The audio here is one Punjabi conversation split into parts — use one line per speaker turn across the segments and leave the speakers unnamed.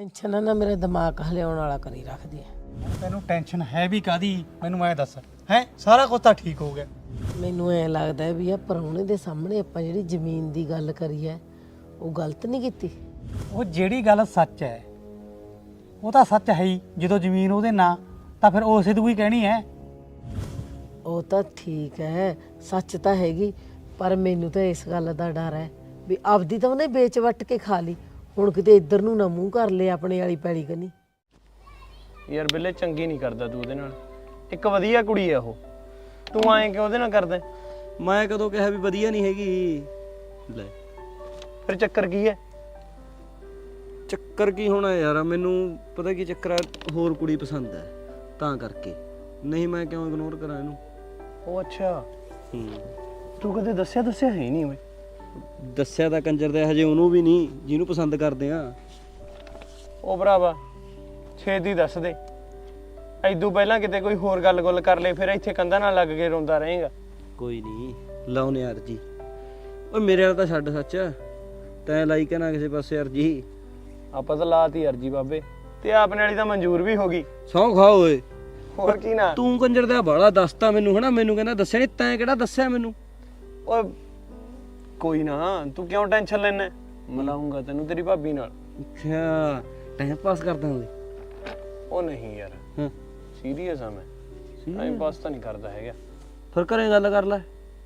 ਟੈਨਸ਼ਨ ਨਾ ਮੇਰਾ ਦਿਮਾਗ ਹਲਿਆਉਣ ਵਾਲਾ ਕਰੀ ਰੱਖਦੀ ਹੈ।
ਤੈਨੂੰ ਟੈਨਸ਼ਨ ਹੈ ਵੀ ਕਾਦੀ? ਮੈਨੂੰ ਐ ਦੱਸ ਹੈ ਸਾਰਾ ਕੁਝ ਤਾਂ ਠੀਕ ਹੋ ਗਿਆ।
ਮੈਨੂੰ ਐ ਲੱਗਦਾ ਹੈ ਵੀ ਆ ਪ੍ਰਾਹੁਣੇ ਦੇ ਸਾਹਮਣੇ ਆਪਾਂ ਜਿਹੜੀ ਜ਼ਮੀਨ ਦੀ ਗੱਲ ਕਰੀ ਹੈ ਉਹ ਗਲਤ ਨਹੀਂ ਕੀਤੀ।
ਉਹ ਜਿਹੜੀ ਗੱਲ ਸੱਚ ਹੈ ਉਹ ਤਾਂ ਸੱਚ ਹੈ ਹੀ। ਜਦੋਂ ਜ਼ਮੀਨ ਉਹਦੇ ਨਾਂ ਤਾਂ ਫਿਰ ਉਸੇ ਤੋਂ ਹੀ ਕਹਿਣੀ ਹੈ।
ਉਹ ਤਾਂ ਠੀਕ ਹੈ, ਸੱਚ ਤਾਂ ਹੈਗੀ, ਪਰ ਮੈਨੂੰ ਤਾਂ ਇਸ ਗੱਲ ਦਾ ਡਰ ਹੈ ਵੀ ਆਪਦੀ ਤਾਂ ਉਹਨੇ ਵੇਚ ਵੱਟ ਕੇ ਖਾ ਲਈ, ਹੁਣ ਕਿਤੇ ਇੱਧਰ ਨੂੰ ਨਾ ਮੂੰਹ ਕਰ ਲਏ ਆਪਣੇ ਵਾਲੀ ਪੈਲੀ ਕਨੀ।
ਯਾਰ ਬਿੱਲੇ ਚੰਗੀ ਨਹੀਂ ਕਰਦਾ ਤੂੰ ਉਹਦੇ ਨਾਲ। ਇੱਕ ਵਧੀਆ ਕੁੜੀ ਆ ਉਹ, ਤੂੰ ਐਂ ਕਿਉਂ ਉਹਦੇ ਨਾਲ ਕਰਦਾ?
ਮੈਂ ਕਦੋਂ ਕਿਹਾ ਵੀ ਵਧੀਆ ਨਹੀਂ ਹੈਗੀ? ਲੈ
ਫਿਰ ਚੱਕਰ ਕੀ ਹੈ?
ਚੱਕਰ ਕੀ ਹੋਣਾ ਯਾਰ, ਮੈਨੂੰ ਪਤਾ ਕੀ ਚੱਕਰ ਆ, ਹੋਰ ਕੁੜੀ ਪਸੰਦ ਹੈ ਤਾਂ ਕਰਕੇ। ਨਹੀਂ ਮੈਂ ਕਿਉਂ ਇਗਨੋਰ ਕਰਾਂ ਇਹਨੂੰ?
ਉਹ ਅੱਛਾ, ਤੂੰ ਕਦੇ ਦੱਸਿਆ ਹੈ ਹੀ ਨਹੀਂ ਓਏ।
ਦੱਸਿਆ ਤਾਂ ਕੰਜਰ ਦਾ ਹਜੇ ਉਹਨੂੰ ਵੀ ਨਹੀਂ ਜਿਹਨੂੰ ਪਸੰਦ ਕਰਦੇ ਆ।
ਉਹ ਭਰਾਵਾ ਛੇਤੀ ਦੱਸ ਦੇ, ਐਦੂ ਪਹਿਲਾਂ ਕਿਤੇ ਕੋਈ ਹੋਰ ਗੱਲ ਕਰ ਲੈ, ਫਿਰ ਇੱਥੇ ਕੰਧਾਂ ਨਾਲ ਲੱਗ ਕੇ ਰੋਂਦਾ ਰਹੇਗਾ।
ਕੋਈ ਨਹੀਂ ਲਾਉਨੇ ਯਾਰ ਜੀ। ਓਏ ਮੇਰੇ ਵਾਲਾ ਤਾਂ ਛੱਡ ਸੱਚ, ਤੈਂ ਲਾਈ ਕਿ ਨਾ ਕਿਸੇ ਪਾਸੇ ਅਰਜੀ।
ਆਪਾਂ ਤਾਂ ਲਾਤੀ ਅਰਜੀ ਬਾਬੇ, ਤੇ ਆਪਣੇ ਵਾਲੀ ਤਾਂ ਮਨਜ਼ੂਰ ਵੀ ਹੋ ਗਈ।
ਸੌਂ ਖਾ ਓਏ।
ਹੋਰ ਕੀ ਨਾ
ਤੂੰ ਕੰਜਰ ਦਾ ਬਾਲਾ ਦੱਸਤਾ ਮੈਨੂੰ ਹਨਾ, ਮੈਨੂੰ ਕਹਿੰਦਾ ਦੱਸਿਆ ਨਹੀਂ, ਤੈਂ ਕਿਹੜਾ ਦੱਸਿਆ ਮੈਨੂੰ?
ਓਏ ਕੋਈ ਨਾ, ਤੂੰ ਕਿਉਂ ਟੈਨਸ਼ਨ ਲੈਣਾ? ਮਿਲਾਉਂਗਾ ਤੈਨੂੰ ਤੇਰੀ ਭਾਬੀ ਨਾਲ।
ਅੱਛਾ ਟਾਈਮ ਪਾਸ ਕਰਦਾ ਓਏ।
ਉਹ ਨਹੀਂ ਯਾਰ,
ਹਾਂ
ਸੀਰੀਅਸ ਆ ਮੈਂ, ਟਾਈਮ ਪਾਸ ਤਾਂ ਨਹੀਂ ਕਰਦਾ ਹੈਗਾ।
ਫਿਰ ਘਰੇ ਗੱਲ ਕਰ ਲੈ।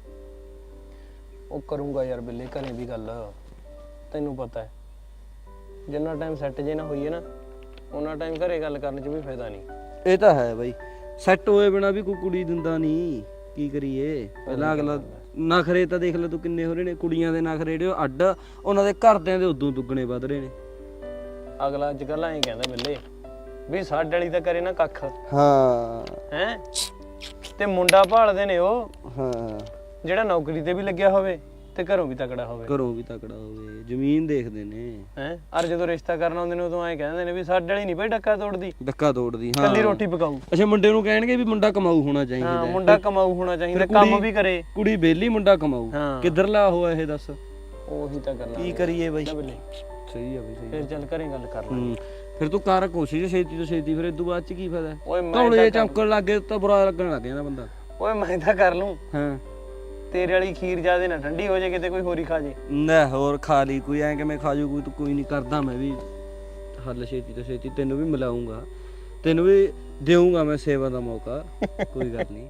ਉਹ ਕਰੂੰਗਾ ਯਾਰ ਬਿੱਲੇ, ਘਰੇ ਵੀ ਗੱਲ, ਤੈਨੂੰ ਪਤਾ ਹੈ ਜਿੰਨਾ ਟਾਈਮ ਸੈੱਟ ਜੇ ਨਾ ਹੋਈਏ ਨਾ ਉਹਨਾਂ ਟਾਈਮ ਘਰੇ ਗੱਲ ਕਰਨ 'ਚ ਵੀ ਫਾਇਦਾ ਨਹੀਂ।
ਇਹ ਤਾਂ ਹੈ ਬਾਈ, ਸੈੱਟ ਹੋਏ ਬਿਨਾ ਵੀ ਕੋਈ ਕੁੜੀ ਦਿੰਦਾ ਨਹੀਂ, ਕੀ ਕਰੀਏ? ਪਹਿਲਾਂ ਅਗਲਾ ਨਖਰੇ ਤਾਂ ਦੇਖ ਲੈ ਤੂੰ ਕਿੰਨੇ ਹੋ ਰਹੇ ਨੇ, ਕੁੜੀਆਂ ਦੇ ਨਖਰੇ ਜਿਹੜੇ ਅੱਡ, ਉਹਨਾਂ ਦੇ ਘਰਦਿਆਂ ਦੇ ਉਦੋਂ ਦੁੱਗਣੇ ਵੱਧ ਰਹੇ ਨੇ।
ਅਗਲਾ ਅੱਜ ਕੱਲ੍ਹ ਐਂ ਕਹਿੰਦਾ ਬਿੱਲੇ ਵੀ ਸਾਡੇ ਵਾਲੀ ਤਾਂ ਕਰੇ ਨਾ ਕੱਖ।
ਹਾਂ
ਹੈ ਤੇ ਮੁੰਡਾ ਭਾਲਦੇ ਨੇ ਉਹ
ਹਾਂ,
ਜਿਹੜਾ ਨੌਕਰੀ ਤੇ ਵੀ ਲੱਗਿਆ ਹੋਵੇ ਤੇ ਘਰੋਂ ਵੀ ਤਕੜਾ ਹੋਵੇ।
ਘਰੋਂ ਵੀ ਤਕੜਾ ਹੋਵੇ, ਜ਼ਮੀਨ ਦੇਖਦੇ ਨੇ।
ਹੈ ਅਰ ਜਦੋਂ ਰਿਸ਼ਤਾ ਕਰਨ ਆਉਂਦੇ ਨੇ ਉਦੋਂ ਐਂ ਕਹਿੰਦੇ ਨੇ ਵੀ ਸਾਡੇ ਵਾਲੀ ਨਹੀਂ ਭਾਈ ਡੱਕਾ ਤੋੜਦੀ,
ਡੱਕਾ ਤੋੜਦੀ। ਹਾਂ
ਕੱਲੀ ਰੋਟੀ ਪਕਾਊ।
ਅੱਛਾ ਮੁੰਡੇ ਨੂੰ ਕਹਿਣਗੇ ਵੀ ਮੁੰਡਾ ਕਮਾਊ ਹੋਣਾ ਚਾਹੀਦਾ।
ਹਾਂ ਮੁੰਡਾ ਕਮਾਊ ਹੋਣਾ ਚਾਹੀਦਾ, ਕੰਮ ਵੀ ਕਰੇ।
ਕੁੜੀ ਵਿਹਲੀ, ਮੁੰਡਾ ਕਮਾਊ।
ਹਾਂ
ਕਿੱਧਰਲਾ ਹੋਇਆ ਇਹ ਦੱਸ?
ਉਹੀ ਤਾਂ ਗੱਲ ਆ।
ਕੀ ਕਰੀਏ ਬਾਈ?
ਬਿੱਲੇ
ਸਹੀ ਆ ਬਈ, ਸਹੀ।
ਫਿਰ ਚੱਲ ਘਰੇ ਗੱਲ ਕਰ ਲਾਂਗੇ।
ਫਿਰ ਤੂੰ ਕਰ ਕੋਸ਼ਿਸ਼ ਛੇਤੀ ਤੋਂ ਛੇਤੀ, ਫਿਰ ਇਦੋਂ ਬਾਅਦ ਚ ਕੀ ਫਾਇਦਾ?
ਓਏ ਮੈਂ
ਧੌਲੇ ਜੇ ਚਮਕਣ ਲੱਗੇ ਤਾਂ ਬੁਰਾ ਲੱਗਣ ਲੱਗ ਜਾਂਦਾ ਬੰਦਾ।
ਓਏ ਮੈਂ ਤਾਂ ਕਰ ਲੂੰ,
ਹਾਂ
ਤੇਰੇ ਵਾਲੀ ਖੀਰ ਜਿਆਦੇ ਨਾ ਠੰਡੀ ਹੋ ਜੇ, ਕਿਤੇ ਕੋਈ ਹੋਰੀ ਖਾ ਜੇ।
ਨਾ ਹੋਰ ਖਾ ਲਈ ਕੋਈ, ਐਂ ਕਿਵੇਂ ਖਾ ਜੂ ਕੋਈ? ਤੂੰ ਕੋਈ ਨਹੀਂ ਕਰਦਾ, ਮੈਂ ਵੀ ਹੱਲ ਛੇਤੀ ਤੋਂ ਛੇਤੀ ਤੈਨੂੰ ਵੀ ਮਿਲਾਉਂਗਾ, ਤੈਨੂੰ ਵੀ ਦੇਵਾਂਗਾ ਮੈਂ ਸੇਵਾ ਦਾ ਮੌਕਾ। ਕੋਈ ਗੱਲ ਨਹੀਂ।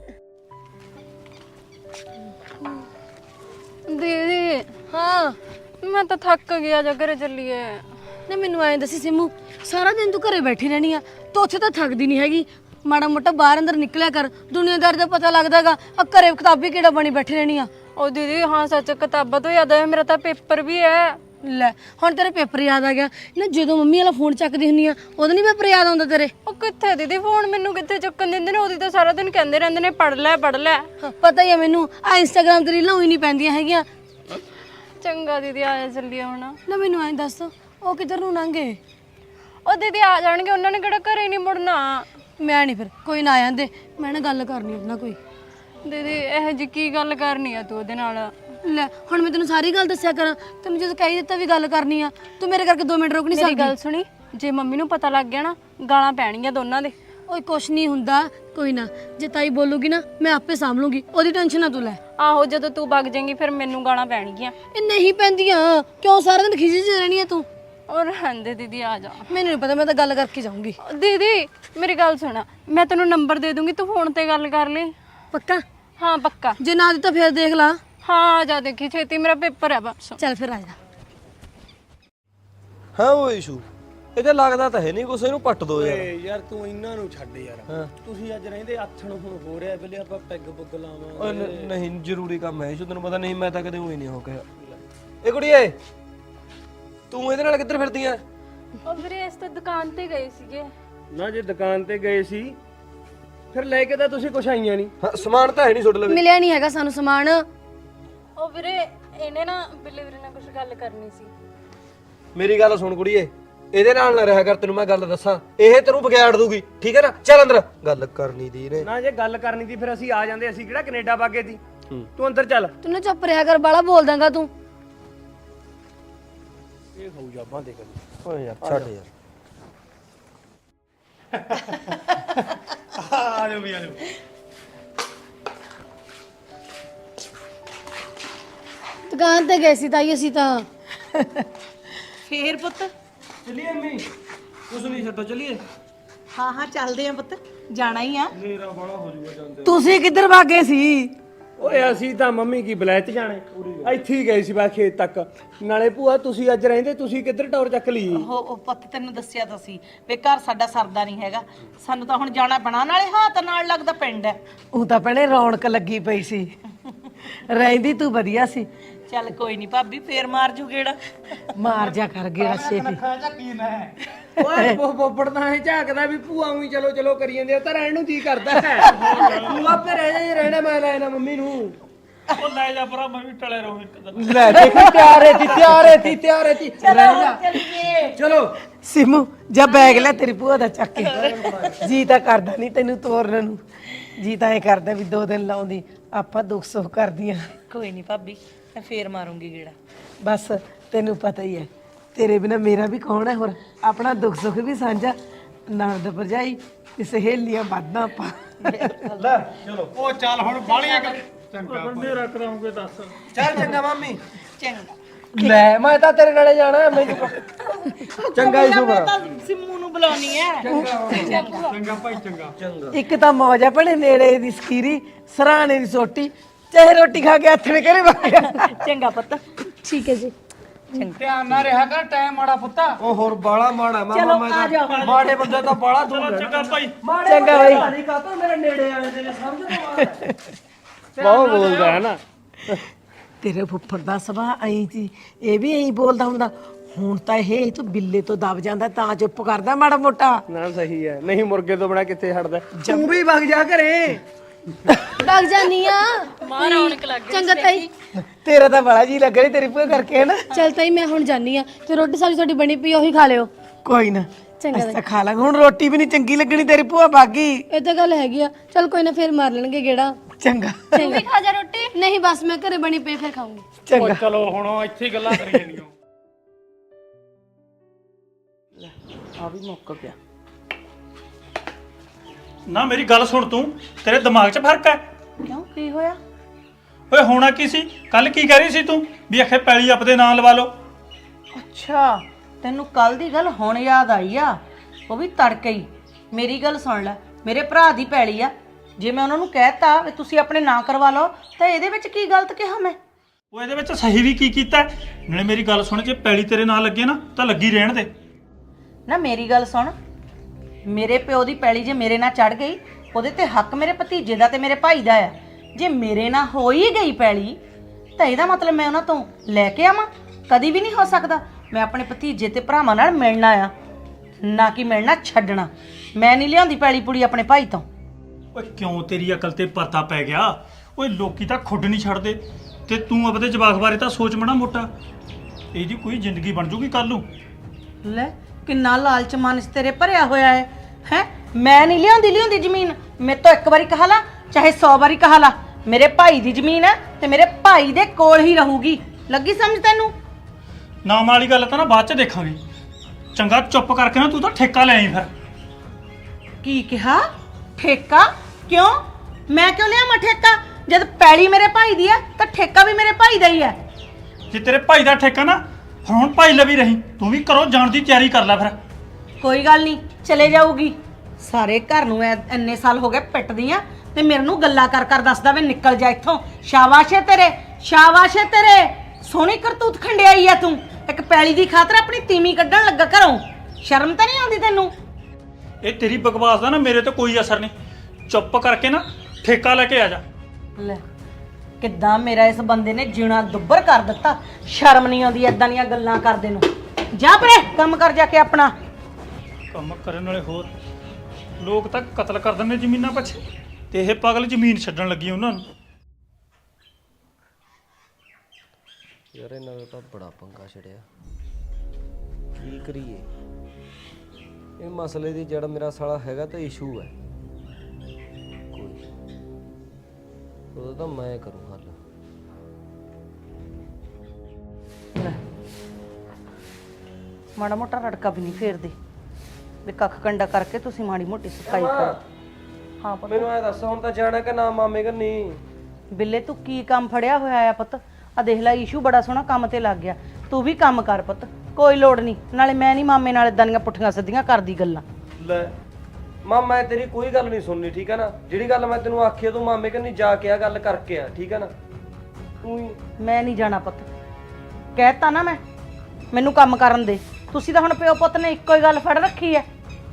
ਦੀਦੀ ਹਾਂ, ਮੈਂ ਤਾਂ ਥੱਕ ਗਿਆ, ਜਾ ਘਰੇ ਚੱਲੀਏ।
ਨਾ ਮੈਨੂੰ ਐਂ ਦੱਸੀ ਸਿਮੂ, ਸਾਰਾ ਦਿਨ ਤੂੰ ਘਰੇ ਬੈਠੀ ਰਹਿਣੀ ਆ, ਤੂੰ ਉੱਥੇ ਤਾਂ ਥੱਕਦੀ ਨਹੀਂ ਹੈਗੀ? ਮਾੜਾ ਮੋਟਾ ਬਾਹਰ ਅੰਦਰ ਨਿਕਲਿਆ ਕਰ, ਦੁਨੀਆਦਾਰੀ ਦਾ ਪਤਾ ਲੱਗਦਾਗਾ। ਆ ਘਰੇ ਕਿਤਾਬੀ ਕਿਹੜਾ ਬਣੀ ਬੈਠੀ ਰਹਿਣੀ ਆ?
ਉਹ ਦੀਦੀ ਹਾਂ ਸੱਚ, ਕਿਤਾਬਾਂ ਤੋਂ ਯਾਦ ਆਇਆ, ਮੇਰਾ ਤਾਂ ਪੇਪਰ ਵੀ ਹੈ।
ਲੈ ਹੁਣ ਤੇਰੇ ਪੇਪਰ ਯਾਦ ਆ ਗਿਆ ਨਾ? ਜਦੋਂ ਮੰਮੀ ਵਾਲਾ ਫੋਨ ਚੱਕਦੀ ਹੁੰਨੀ ਆ ਉਦੋਂ ਨਹੀਂ ਪੇਪਰ ਯਾਦ ਆਉਂਦਾ ਤੇਰੇ?
ਉਹ ਕਿੱਥੇ ਦੀਦੀ, ਫੋਨ ਮੈਨੂੰ ਕਿੱਥੇ ਚੱਕਣ ਦਿੰਦੇ ਨੇ? ਉਹਦੀ ਤਾਂ ਸਾਰਾ ਦਿਨ ਕਹਿੰਦੇ ਰਹਿੰਦੇ ਨੇ ਪੜ ਲੈ ਪੜ ਲੈ।
ਹਾਂ, ਪਤਾ ਹੀ ਆ ਮੈਨੂੰ, ਆ ਇੰਸਟਾਗ੍ਰਾਮ ਤੇ ਰੀਲਾਂ ਹੋਈ ਨਹੀਂ ਪੈਂਦੀਆਂ ਹੈਗੀਆਂ।
ਚੰਗਾ ਦੀਦੀ, ਆਇਆ ਚੱਲੀਏ ਹੁਣ।
ਨਾ ਮੈਨੂੰ ਐਂ ਦੱਸ, ਉਹ ਕਿੱਧਰ ਨੂੰ ਲੰਘੇ?
ਉਹ ਦੀਦੀ ਆ ਜਾਣਗੇ, ਉਹਨਾਂ ਨੇ ਕਿਹੜਾ ਘਰੇ ਨਹੀਂ ਮੁੜਨਾ।
ਮੈਂ ਨਹੀਂ, ਫਿਰ ਕੋਈ ਨਾ ਆ ਜਾਂਦੇ, ਮੈਂ ਨਾ ਗੱਲ ਕਰਨੀ ਉਹਦੇ ਨਾਲ ਕੋਈ।
ਦੀਦੀ ਇਹ ਜੀ ਕੀ ਗੱਲ ਕਰਨੀ ਆ ਤੂੰ ਉਹਦੇ ਨਾਲ?
ਲੈ ਹੁਣ ਮੈਂ ਤੈਨੂੰ ਸਾਰੀ ਗੱਲ ਦੱਸਿਆ ਕਰਾਂ, ਤੈਨੂੰ ਜਦੋਂ ਕਹਿ ਦਿੱਤਾ ਵੀ ਗੱਲ ਕਰਨੀ ਆ, ਤੂੰ ਮੇਰੇ ਕਰਕੇ 2 ਮਿੰਟ ਰੁਕ ਨਹੀਂ
ਮੇਰੀ
ਸਕਦੀ?
ਗੱਲ ਸੁਣੀ, ਜੇ ਮੰਮੀ ਨੂੰ ਪਤਾ ਲੱਗ ਗਿਆ ਨਾ, ਗਾਲਾਂ ਪੈਣਗੀਆਂ ਦੋਨਾਂ ਦੇ।
ਓਏ ਕੁਛ ਨਹੀਂ ਹੁੰਦਾ, ਕੋਈ ਨਾ, ਜੇ ਤਾਈ ਬੋਲੂਗੀ ਨਾ ਮੈਂ ਆਪੇ ਸਾਂਭ ਲੂੰਗੀ, ਉਹਦੀ ਟੈਨਸ਼ਨ ਨਾ ਤੂੰ ਲੈ।
ਆਹੋ ਜਦੋਂ ਤੂੰ ਵਗ ਜਾਏਂਗੀ ਫਿਰ ਮੈਨੂੰ ਗਾਲਾਂ ਪੈਣਗੀਆਂ।
ਇਹ ਨਹੀਂ ਪੈਂਦੀਆਂ, ਕਿਉਂ ਸਾਰਾ ਦਿਨ ਖਿਜੀ ਚ ਰਹਿਣੀ ਆ ਤੂੰ?
ਔਰ ਰਹਿੰਦੇ ਦੀਦੀ, ਆ ਜਾ।
ਮੈਨੂੰ ਨਹੀਂ ਪਤਾ, ਮੈਂ ਤਾਂ ਗੱਲ ਕਰਕੇ ਜਾਊਂਗੀ।
ਦੀਦੀ ਮੇਰੀ ਗੱਲ ਸੁਣ, ਮੈਂ ਤੈਨੂੰ ਨੰਬਰ ਦੇ ਦੂੰਗੀ, ਤੂੰ ਫੋਨ ਤੇ ਗੱਲ ਕਰ ਲਈ।
ਪੱਕਾ?
ਹਾਂ ਪੱਕਾ।
ਜੇ ਨਾ ਦਿੱਤਾ ਫਿਰ ਦੇਖ ਲਾ।
ਹਾਂ ਆ ਜਾ, ਦੇਖੀ ਛੇਤੀ, ਮੇਰਾ ਪੇਪਰ ਹੈ ਬਸ।
ਚੱਲ ਫਿਰ ਆ ਜਾ।
ਹਾਂ ਉਹ ਇਸ਼ੂ ਇਹ ਤਾਂ ਲੱਗਦਾ ਤਾਂ ਹੈ ਨਹੀਂ ਕੁਛ, ਇਹਨੂੰ ਪੱਟ ਦੋ ਯਾਰ।
ਯਾਰ ਤੂੰ ਇਹਨਾਂ ਨੂੰ ਛੱਡ ਯਾਰ, ਤੁਸੀਂ ਅੱਜ ਰਹਿੰਦੇ ਆਥਣ ਹੁਣ ਹੋ ਰਿਹਾ ਬਿੱਲੇ, ਆਪਾਂ ਪੈਗ ਪੁੱਗ ਲਾਵਾਂ।
ਓਏ ਨਹੀਂ ਜ਼ਰੂਰੀ ਕੰਮ ਹੈ ਇਸ਼ੂ, ਤੈਨੂੰ ਪਤਾ ਨਹੀਂ, ਮੈਂ ਤਾਂ ਕਦੇ ਹੋਈ ਨਹੀਂ ਹੋ ਗਿਆ। ਇਹ ਕੁੜੀਏ ਤੂੰ ਇਹਦੇ ਨਾਲ ਕਿੱਧਰ ਫਿਰਦੀ ਆ?
ਉਹ ਵੀਰੇ ਇਸ ਤੇ ਦੁਕਾਨ ਤੇ ਗਏ ਸੀਗੇ।
ਨਾ ਜੇ ਦੁਕਾਨ ਤੇ ਗਏ ਸੀ ਫਿਰ ਲੈ ਕੇ ਤਾਂ ਤੁਸੀਂ ਕੁਛ ਆਈਆਂ ਨਹੀਂ।
ਹਾਂ ਸਮਾਨ ਤਾਂ ਹੈ ਨਹੀਂ ਸੁੱਟ ਲਵੇ।
ਮਿਲਿਆ ਨਹੀਂ ਹੈਗਾ ਸਾਨੂੰ ਸਮਾਨ।
ਉਹ ਵੀਰੇ ਇਹਨੇ ਨਾ ਬਿੱਲੇ ਵੀਰੇ ਨਾਲ ਕੁਝ ਗੱਲ ਕਰਨੀ ਸੀ।
ਮੇਰੀ ਗੱਲ ਸੁਣ ਕੁੜੀਏ, ਇਹਦੇ ਨਾਲ ਨਾ ਰਿਹਾ ਕਰ, ਤੈਨੂੰ ਮੈਂ ਗੱਲ ਦੱਸਾਂ, ਇਹ ਤੈਨੂੰ ਵਿਗਾੜ ਦੂਗੀ, ਠੀਕ ਹੈ ਨਾ? ਚੱਲ ਅੰਦਰ, ਗੱਲ ਕਰਨੀ ਦੀ ਨੇ।
ਨਾ ਜੇ ਗੱਲ ਕਰਨੀ ਸੀ ਫਿਰ ਅਸੀਂ ਆ ਜਾਂਦੇ, ਅਸੀਂ ਕਿਹੜਾ ਕੈਨੇਡਾ ਵਾਗੇ ਸੀ। ਤੂੰ ਅੰਦਰ ਚੱਲ।
ਤੂੰ ਨਾ ਚੁੱਪ ਰਿਹਾ ਕਰ, ਬਾਲਾ ਬੋਲ ਦਾਂਗਾ ਤੂੰ।
ਇਹ ਖਾਊ ਜਾਬਾਂ ਦੇ ਕਰ।
ਓਏ ਯਾਰ ਛੱਡ ਯਾਰ।
ਆ ਜਾਓ ਵੀ ਆ ਜਾਓ।
ਦੁਕਾਨ ਤੇ ਗਏ ਸੀ ਤਾਈ ਅਸੀਂ ਤਾਂ।
ਫੇਰ ਪੁੱਤ
ਚੱਲੀਏ ਅੰਮੀ ਕੁਛ ਨਹੀਂ ਛੱਡੋ ਚੱਲੀਏ।
ਹਾਂ ਹਾਂ ਚੱਲਦੇ ਆ ਪੁੱਤ ਜਾਣਾ ਹੀ ਆ
ਮੇਰਾ ਬੜਾ ਹੋ ਜੂਗਾ ਜਾਂਦੇ।
ਤੁਸੀਂ ਕਿੱਧਰ ਭਾਗੇ ਸੀ?
ਓਏ ਅਸੀਂ ਤਾਂ ਮੰਮੀ ਕੀ ਬਲੈਤ ਜਾਣੇ ਇੱਥੇ ਹੀ ਗਏ ਸੀ ਬਾ ਖੇਤ ਤੱਕ। ਨਾਲੇ ਭੂਆ ਤੁਸੀਂ ਅੱਜ ਰਹਿੰਦੇ, ਤੁਸੀਂ ਕਿੱਧਰ ਟੌਰ ਚੱਕ ਲਈ?
ਉਹ ਪੁੱਤ ਤੈਨੂੰ ਦੱਸਿਆ ਤਾਂ ਸੀ ਵੀ ਘਰ ਸਾਡਾ ਸਰਦਾ ਨਹੀਂ ਹੈਗਾ, ਸਾਨੂੰ ਤਾਂ ਹੁਣ ਜਾਣਾ ਬਣਾ, ਨਾਲੇ ਹੱਥ ਨਾਲ ਲੱਗਦਾ ਪਿੰਡ ਹੈ।
ਉਹ ਤਾਂ ਭੈਣੇ ਰੌਣਕ ਲੱਗੀ ਪਈ ਸੀ, ਰਹਿੰਦੀ ਤੂੰ ਵਧੀਆ ਸੀ।
ਚੱਲ ਕੋਈ ਨਹੀਂ ਭਾਬੀ, ਫੇਰ ਮਾਰ ਜੂ ਗੇੜਾ।
ਮਾਰ ਜਾ ਕਰ ਗਿਆ ਛੇਤੀ।
ਓਏ ਬੋਬੜ ਤਾਂ ਐ ਝਾਕਦਾ ਵੀ ਭੂਆ ਉਹੀ ਚਲੋ ਚਲੋ ਕਰੀ ਜਾਂਦੇ ਆ, ਤਾਂ ਰਹਿਣ ਨੂੰ ਜੀ ਕਰਦਾ ਹੈ। ਤੂੰ ਆਪੇ ਰਹਿ ਜਾ, ਜੇ ਰਹਿਣਾ ਮੈਂ ਲੈ ਨਾ ਮੰਮੀ ਨੂੰ।
ਉਹ ਲੈ ਜਾ ਭਰਾ, ਮੈਂ ਵੀ ਟਲੇ ਰਹੂੰ ਇੱਕ ਦਿਨ।
ਲੈ ਦੇਖੀ ਤਿਆਰ ਹੈ ਤੀ ਚਲੋ।
ਸਿਮੂ ਜਾ ਬੈਗ ਲੈ ਤੇਰੀ ਭੂਆ ਦਾ ਚੱਕ ਕੇ। ਜੀ ਤਾਂ ਕਰਦਾ ਨਹੀਂ ਤੈਨੂੰ ਤੋਰਨ ਨੂੰ, ਜੀ ਤਾਂ ਐ ਕਰਦਾ ਵੀ 2 ਦਿਨ ਲਾਉਂਦੀ, ਆਪਾਂ ਦੁੱਖ ਸੁੱਖ ਕਰਦੀਆਂ।
ਕੋਈ ਨਹੀਂ ਭਾਬੀ, ਮੈਂ ਫੇਰ ਮਾਰੂੰਗੀ ਗੇੜਾ।
ਬਸ ਤੈਨੂੰ ਪਤਾ ਹੀ ਹੈ, ਤੇਰੇ ਬਿਨਾ ਮੇਰਾ ਵੀ ਕੌਣ ਹੈ ਹੋਰ। ਆਪਣਾ ਦੁੱਖ ਸੁੱਖ ਵੀ ਸਾਂਝਾ, ਨਣਦ ਭਰਜਾਈ ਤੇ ਸਹੇਲੀਆਂ ਵੱਧਦਾ ਆਪਾਂ।
ਲੈ ਚਲੋ।
ਉਹ ਚੱਲ ਹੁਣ ਬਾਲੀਆਂ ਕਰ ਚੰਗਾ ਬੰਦੇ ਰੱਖ ਰਹਾਂਗੇ ਦੱਸ।
ਚੱਲ ਚੰਗਾ ਮੰਮੀ।
ਚੰਗਾ
ਲੈ ਮੈਂ ਤਾਂ ਤੇਰੇ ਨਾਲੇ ਜਾਣਾ ਮੈਨੂੰ। ਚੰਗਾ ਹੀ
ਮੈਂ ਤਾਂ ਸਿੰਮੂ ਨੂੰ ਬੁਲਾਉਣੀ ਹੈ।
ਚੰਗਾ ਭਾਈ ਚੰਗਾ।
ਇੱਕ ਤਾਂ ਮੌਜ ਆ ਭਣੇ, ਨੇੜੇ ਦੀ ਸਕੀਰੀ, ਸਰਾਣੇ ਦੀ ਸੋਟੀ, ਚਾਹੇ ਰੋਟੀ ਖਾ ਕੇ ਹੱਥ ਨੇ ਕਰੇ ਵਾਇਆ।
ਚੰਗਾ ਪੁੱਤ।
ਠੀਕ ਹੈ ਜੀ।
ਧਿਆਨ ਨਾਲ ਰਿਹਾ ਕਰ, ਟਾਈਮ ਮਾੜਾ ਪੁੱਤਾ।
ਉਹ ਹੋਰ ਬਾਲਾ ਮਾੜਾ ਮਾਮਾ, ਮੈਂ ਤਾਂ ਮਾੜੇ ਬੰਦੇ ਤਾਂ ਬਾਲਾ ਦੂਰ ਰਹਿਣਾ।
ਚੰਗਾ ਭਾਈ।
ਚੰਗਾ ਬਾਈ।
ਨਹੀਂ ਕਾਤੋਂ ਮੇਰੇ ਨੇੜੇ ਆਏ ਨੇ, ਸਮਝ ਬਹੁਤ ਬੋਲਦਾ ਹੈ ਨਾ।
ਤੇਰੇ ਫੁੱਫੜ ਦਾ ਸੁਭਾਅ ਐਂ ਸੀ, ਇਹ ਵੀ ਐਂ ਬੋਲਦਾ ਹੁੰਦਾ। ਹੁਣ ਤਾਂ ਇਹ ਤੂੰ ਬਿੱਲੇ ਤੋਂ ਦਬ ਜਾਂਦਾ ਤਾਂ ਚੁੱਪ ਕਰਦਾ ਮਾੜਾ ਮੋਟਾ।
ਨਾ ਸਹੀ ਹੈ, ਨਹੀਂ ਮੁਰਗੇ ਤੋਂ ਬਣਾ ਕਿੱਥੇ ਹਟਦਾ। ਤੂੰ ਵੀ ਵਗ ਜਾ ਘਰੇ।
ਵਗ ਜਾਨੀ ਆ।
ਮਾਂ ਰੌਣਕ ਲੱਗ ਗਈ
ਚੰਗਾ ਤਾਈ।
ਤੇਰਾ ਤਾਂ ਬੜਾ ਜੀ ਲੱਗ ਰਹੀ ਤੇਰੀ ਭੂਆ ਕਰਕੇ ਹੈ ਨਾ।
ਚੱਲ ਤਾਈ ਮੈਂ ਹੁਣ ਜਾਨੀ ਆ, ਤੇ ਰੋਟੀ ਸਾਰੀ ਤੁਹਾਡੀ ਬਣੀ ਪਈ ਉਹੀ ਖਾ ਲਿਓ।
ਕੋਈ ਨਾ,
ਚੰਗਾ
ਅਸੀਂ ਤਾਂ ਖਾ ਲਾਂਗੇ। ਹੁਣ ਰੋਟੀ ਵੀ ਨਹੀਂ ਚੰਗੀ ਲੱਗਣੀ, ਤੇਰੀ ਭੂਆ ਬਾਗੀ।
ਇਹ ਤਾਂ ਗੱਲ ਹੈਗੀ ਆ। ਚੱਲ ਕੋਈ ਨਾ, ਫੇਰ ਮਾਰ ਲੈਣਗੇ ਗੇੜਾ।
ਚੰਗਾ
ਤੂੰ ਵੀ ਖਾ ਜਾ ਰੋਟੀ। ਨਹੀਂ ਬਸ ਮੈਂ ਘਰੇ ਬਣੀ ਪਈ ਫਿਰ ਖਾਊਂਗੀ।
ਚੰਗਾ।
ਚਲੋ ਹੁਣ ਇੱਥੇ ਹੀ ਗੱਲਾਂ ਕਰੀ ਜਾਂਦੀਆਂ।
ਆ ਵੀ ਮੁੱਕ ਗਿਆ।
ਨਾ ਮੇਰੀ ਗੱਲ ਸੁਣ ਤੂੰ, ਤੇਰੇ ਦਿਮਾਗ 'ਚ ਫਰਕ ਹੈ?
ਕਿਉਂ ਕੀ ਹੋਇਆ?
ਓਏ ਹੋਣਾ ਕੀ ਸੀ? ਕੱਲ ਕੀ ਕਹਿ ਰਹੀ ਸੀ ਤੂੰ ਵੀ ਅਖੇ ਪੈਲੀ ਆਪਦੇ ਨਾਂ ਲਵਾ ਲਓ?
ਅੱਛਾ, ਤੈਨੂੰ ਕੱਲ ਦੀ ਗੱਲ ਹੁਣ ਯਾਦ ਆਈ ਆ? ਉਹ ਵੀ ਤੜਕੇ ਹੀ। ਮੇਰੀ ਗੱਲ ਸੁਣ ਲੈ, ਮੇਰੇ ਭਰਾ ਦੀ ਪੈਲੀ ਆ, ਜੇ ਮੈਂ ਉਹਨਾਂ ਨੂੰ ਕਹਿਤਾ ਵੀ ਤੁਸੀਂ ਆਪਣੇ ਨਾਂ ਕਰਵਾ ਲਓ ਤਾਂ ਇਹਦੇ ਵਿੱਚ ਕੀ ਗਲਤ ਕਿਹਾ ਮੈਂ?
ਉਹ ਇਹਦੇ ਵਿੱਚ ਸਹੀ ਵੀ ਕੀ ਕੀਤਾ ਹੈ? ਨਾਲੇ ਮੇਰੀ ਗੱਲ ਸੁਣ, ਜੇ ਪੈਲੀ ਤੇਰੇ ਨਾਂ ਲੱਗੇ ਨਾ ਤਾਂ ਲੱਗੀ ਰਹਿਣ ਦੇ।
ਨਾ ਮੇਰੀ ਗੱਲ ਸੁਣ, ਮੇਰੇ ਪਿਓ ਦੀ ਪੈਲੀ ਜੇ ਮੇਰੇ ਨਾਲ ਚੜ ਗਈ, ਉਹਦੇ ਤੇ ਹੱਕ ਮੇਰੇ ਭਤੀਜੇ ਦਾ ਤੇ ਮੇਰੇ ਭਾਈ ਦਾ ਆ। ਜੇ ਮੇਰੇ ਨਾਲ ਹੋ ਹੀ ਗਈ ਪੈਲੀ ਤਾਂ ਇਹਦਾ ਮਤਲਬ ਮੈਂ ਉਹਨਾਂ ਤੋਂ ਲੈ ਕੇ ਆਵਾਂ? ਕਦੀ ਵੀ ਨਹੀਂ ਹੋ ਸਕਦਾ। ਮੈਂ ਆਪਣੇ ਭਤੀਜੇ ਤੇ ਭਰਾਵਾਂ ਨਾਲ ਮਿਲਣਾ ਆ, ਨਾ ਕਿ ਮਿਲਣਾ ਛੱਡਣਾ। ਮੈਂ ਨਹੀਂ ਲਿਆਉਂਦੀ ਪੈਲੀ ਪੁੜੀ ਆਪਣੇ ਭਾਈ ਤੋਂ।
ਓਏ ਕਿਉਂ ਤੇਰੀ ਅਕਲ ਤੇ ਪਰਦਾ ਪੈ ਗਿਆ? ਓਏ ਲੋਕੀ ਤਾਂ ਖੁੱਡ ਨਹੀਂ ਛੱਡਦੇ, ਤੇ ਤੂੰ ਆਪਦੇ ਜਵਾਕ ਬਾਰੇ ਤਾਂ ਸੋਚ ਮਣਾ ਮੋਟਾ। ਇਹਦੀ ਕੋਈ ਜ਼ਿੰਦਗੀ ਬਣ ਜੂਗੀ ਕੱਲ ਨੂੰ।
ਲੈ ਕਿੰਨਾ ਲਾਲਚ ਮਨ 'ਚ ਤੇਰੇ ਭਰਿਆ ਹੋਇਆ ਹੈ। ਮੈਂ ਨਹੀਂ ਲਿਆਉਂਦੀ ਜ਼ਮੀਨ। ਮੇਰੇ ਤੋਂ ਇੱਕ ਵਾਰੀ ਕਹਾ ਲਾ, ਚਾਹੇ 100 ਵਾਰੀ ਕਹਾ ਲਾ, ਮੇਰੇ ਭਾਈ ਦੀ ਜ਼ਮੀਨ ਹੈ ਤੇ ਮੇਰੇ ਭਾਈ ਦੇ ਕੋਲ ਹੀ ਰਹੂਗੀ। ਲੱਗੀ ਸਮਝ ਤੈਨੂੰ?
ਨਾਮ ਵਾਲੀ ਗੱਲ ਤਾਂ ਨਾ ਬਾਅਦ 'ਚ ਦੇਖਾਂਗੇ। ਚੰਗਾ ਚੁੱਪ ਕਰਕੇ ਨਾ ਤੂੰ ਤਾਂ ਠੇਕਾ ਲੈ ਆਈ ਫਿਰ।
ਕੀ ਕਿਹਾ? ਠੇਕਾ? ਕਿਉਂ? ਮੈਂ ਕਿਉਂ ਲਿਆਵਾਂ ਠੇਕਾ? ਜਦ ਪੈਲੀ ਮੇਰੇ ਭਾਈ ਦੀ ਆ ਤਾਂ ਠੇਕਾ ਵੀ ਮੇਰੇ ਭਾਈ ਦਾ ਹੀ ਹੈ।
ਜੇ ਤੇਰੇ ਭਾਈ ਦਾ ਠੇਕਾ ਨਾ, ਫਿਰ ਹੁਣ ਭਾਈ ਲਵੀ ਰਹੀ। ਤੂੰ ਵੀ ਘਰੋਂ ਜਾਣ ਦੀ ਤਿਆਰੀ ਕਰ ਲੈ ਫਿਰ।
ਕੋਈ ਗੱਲ ਨਹੀਂ, ਚਲੇ ਜਾਊਗੀ। ਸਾਰੇ ਘਰ ਨੂੰ ਇੰਨੇ ਸਾਲ ਹੋ ਗਏ ਪਿੱਟਦੀ ਆ ਤੇ ਮੇਰੇ ਨੂੰ ਗੱਲਾਂ ਕਰ ਕਰ ਦੱਸਦਾ ਵੇ ਨਿਕਲ ਜਾ ਇੱਥੋਂ। ਸ਼ਾਬਾਸ਼ ਏ ਤੇਰੇ, ਸ਼ਾਬਾਸ਼ ਏ ਤੇਰੇ। ਸੋਹਣੀ ਕਰਤੂਤ ਖੰਡਿਆਈ ਆ ਤੂੰ। ਇੱਕ ਪੈਲੀ ਦੀ ਖਾਤਰ ਆਪਣੀ ਤੀਵੀਂ ਕੱਢਣ ਲੱਗਾ ਘਰੋਂ। ਸ਼ਰਮ ਤਾਂ ਨਹੀਂ ਆਉਂਦੀ ਤੈਨੂੰ?
ਇਹ ਤੇਰੀ ਬਕਵਾਸ ਦਾ ਨਾ ਮੇਰੇ ਤੇ ਕੋਈ ਅਸਰ ਨਹੀਂ। ਚੁੱਪ ਕਰਕੇ ਨਾ ਠੇਕਾ ਲੈ ਕੇ ਆ ਜਾ।
ਲੈ ਕਿੱਦਾਂ ਮੇਰਾ ਇਸ ਬੰਦੇ ਨੇ ਜਿਉਣਾ ਦੁੱਬਰ ਕਰ ਦਿੱਤਾ। ਸ਼ਰਮ ਨਹੀਂ ਆਉਂਦੀ ਐਦਾਂ ਦੀਆਂ ਗੱਲਾਂ ਕਰਦੇ ਨੂੰ। ਜਾ ਪਰੇ, ਕੰਮ ਕਰ ਜਾ ਕੇ ਆਪਣਾ।
ਕੰਮ ਕਰਨ ਵਾਲੇ ਹੋਰ ਲੋਕ ਤਾਂ ਕਤਲ ਕਰ ਦਿੰਦੇ ਜ਼ਮੀਨਾਂ ਪਿੱਛੇ, ਤੇ ਇਹ ਪਾਗਲ ਜ਼ਮੀਨ ਛੱਡਣ ਲੱਗੀ ਉਹਨਾਂ ਨੂੰ।
ਯਾਰ ਇਹਨਾਂ ਦਾ ਤਾਂ ਬੜਾ ਪੰਗਾ ਛੜਿਆ, ਕੀ ਕਰੀਏ? ਇਹ ਮਸਲੇ ਦੀ ਜੜ ਮੇਰਾ ਸਾਲਾ ਹੈਗਾ ਤਾਂ ਇਸ਼ੂ ਹੈ ਕੋਈ, ਉਹਦਾ ਤਾਂ ਮੈਂ ਕਰੂੰ ਹੱਲ।
ਲੈ ਮਾੜਾ ਮੋਟਾ ਰੜਕਾ ਵੀ ਨਹੀਂ ਫੇਰਦੇ। ਵੀ ਕੱਖ ਕੰਡਾ ਕਰਕੇ ਤੁਸੀਂ ਮਾੜੀ ਮੋਟੀ ਸਫਾਈ ਕਰੋ। ਹਾਂ ਪੁੱਤ।
ਮੈਨੂੰ ਐ ਦੱਸ ਹੁਣ ਤਾਂ ਜਾਣਾ ਕਿ ਨਾ ਮਾਮੇ ਕੰਨੀ?
ਬਿੱਲੇ ਤੂੰ ਕੀ ਕੰਮ ਫੜਿਆ ਹੋਇਆ ਆ ਪੁੱਤ? ਆ ਦੇਖ ਲੈ ਈਸ਼ੂ ਬੜਾ ਸੋਹਣਾ ਕੰਮ ਤੇ ਲੱਗ ਗਿਆ। ਤੂੰ ਵੀ ਕੰਮ ਕਰ ਪੁੱਤ, ਕੋਈ ਲੋੜ ਨਹੀਂ। ਨਾਲੇ ਮੈਂ ਨਹੀਂ ਮਾਮੇ ਨਾਲ ਇਦਾਂ ਦੀਆਂ ਪੁੱਠੀਆਂ ਸਿੱਧੀਆਂ ਕਰਦੀ ਗੱਲਾਂ।
ਲੈ ਮਾਂ ਮੈਂ ਤੇਰੀ ਕੋਈ ਗੱਲ ਨਹੀਂ ਸੁਣਨੀ, ਠੀਕ ਹੈ ਨਾ? ਜਿਹੜੀ ਗੱਲ ਮੈਂ ਤੈਨੂੰ ਆਖੀ ਆ ਤੂੰ ਮਾਮੇ ਕੰਨੀ ਜਾ ਕੇ ਆ ਗੱਲ ਕਰਕੇ ਆ, ਠੀਕ ਹੈ ਨਾ? ਤੂੰ ਹੀ
ਮੈਂ ਨਹੀਂ ਜਾਣਾ ਪੁੱਤ, ਕਹਿਤਾ ਨਾ ਮੈਂ, ਮੈਨੂੰ ਕੰਮ ਕਰਨ ਦੇ। ਤੁਸੀਂ ਤਾਂ ਹੁਣ ਪਿਓ ਪੁੱਤ ਨੇ ਇੱਕੋ ਹੀ ਗੱਲ ਫੜ ਰੱਖੀ ਐ।